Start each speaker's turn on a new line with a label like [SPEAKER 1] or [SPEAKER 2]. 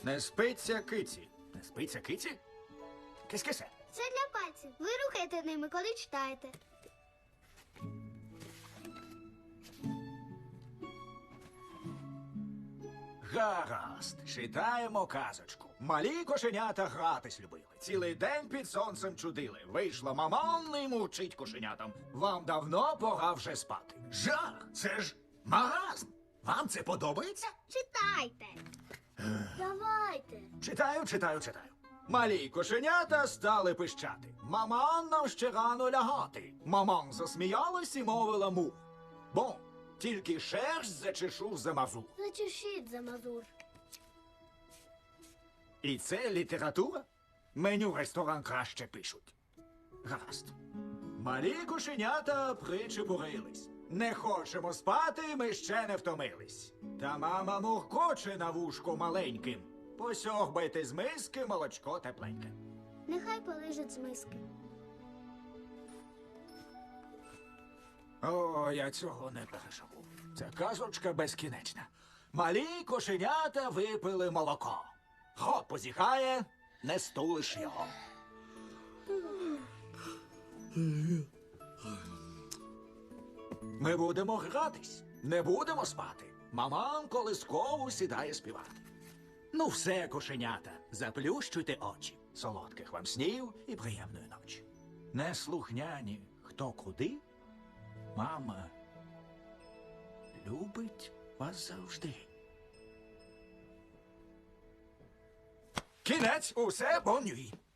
[SPEAKER 1] Не спиться киці. Не спиться киці? Кись-кисе.
[SPEAKER 2] Це для пальців. Ви рухаєте ними, коли читаєте.
[SPEAKER 1] Гаразд, читаємо казочку. Малі кошенята гратись любили. Цілий день під сонцем чудили. Вийшла маман і мучить кошенятам. Вам давно пора вже спати. Жах! Це ж маразм! Вам це подобається?
[SPEAKER 2] Читайте. Давайте.
[SPEAKER 1] Читаю. Малі кошенята стали пищати. Маман нам ще рано лягати. Маман засміялась і мовила му. Бом, тільки шерсть зачешу за мазу.
[SPEAKER 2] Зачешіть за мазур.
[SPEAKER 1] І це література? Меню ресторан краще пишуть. Гаразд. Малі кошенята причепурились. Не хочемо спати, ми ще не втомились. Та мама муркоче на вушку маленьким. Посьорбайте з миски молочко тепленьке.
[SPEAKER 2] Нехай полежить з миски.
[SPEAKER 1] О, я цього не переживу. Ця казочка безкінечна. Малі кошенята випили молоко. Рот позіхає, не стулиш його. Ми будемо гратись, не будемо спати. Маман колискову сідає співати. Ну все, кошенята, заплющуйте очі. Солодких вам снів і приємної ночі. Неслухняні хто куди, мама любить вас завжди. Кінець, усе бонюй.